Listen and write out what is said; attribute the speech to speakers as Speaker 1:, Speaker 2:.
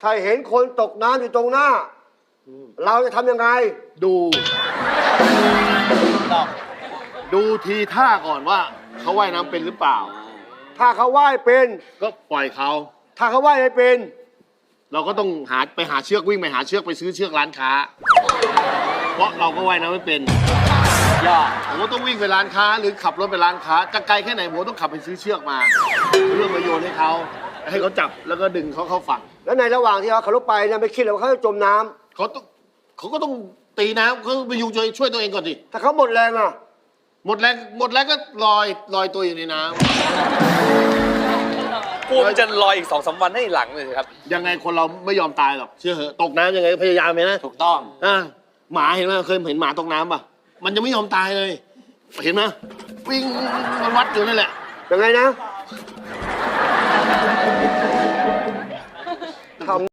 Speaker 1: ถ้าเห็นคนตกน้ำอยู่ตรงหน้า เราจะทำยังไง
Speaker 2: ดูทีท่าก่อนว่าเขาว่ายน้ำเป็นหรือเปล่า
Speaker 1: ถ้าเขาว่ายเป็น
Speaker 2: ก็ปล่อยเขา
Speaker 1: ถ้าเขาว่ายไม่เป็น
Speaker 2: เราก็ต้องไปหาเชือกวิ่งไปหาเชือกไปซื้อเชือกร้านค้า เพราะเราก็ว่ายน้ำไม่เป็นผมก็ต้องวิ่งไปร้านค้าหรือขับรถไปร้านค้าจะไกลแค่ไหนผมต้องขับไปซื้อเชือกมาเพื่อมาโยนให้เขาจับแล้วก็ดึงเขาเข้าฝั่ง
Speaker 1: แล้วในระหว่างที่เขาขับรถไปเนี่ยไม่คิดเลยว่าเขาจะจมน้ำ
Speaker 2: เขาก็ต้องตีน้ำเขาไปยุงช่วยตัวเองก่อนดิ
Speaker 1: ถ้าเขาหมดแรงอ่ะ
Speaker 2: หมดแรงก็ลอยตัวอยู่ในน้ำ
Speaker 3: กลัวมันจะลอยอีก2-3 วันให้หลังเลยครับ
Speaker 2: ยังไงคนเราไม่ยอมตายหรอกเชื่อเหอะตกน้ำยังไงพยายามไหมนะ
Speaker 3: ถูกต้อง
Speaker 2: หมาเห็นไหมเคยเห็นหมาตกน้ำป่ะมันยังไม่ยอมตายเลยเห็นไหมวิ่งมันวัดอยู่นั่นแหละ
Speaker 1: ยังไงนะ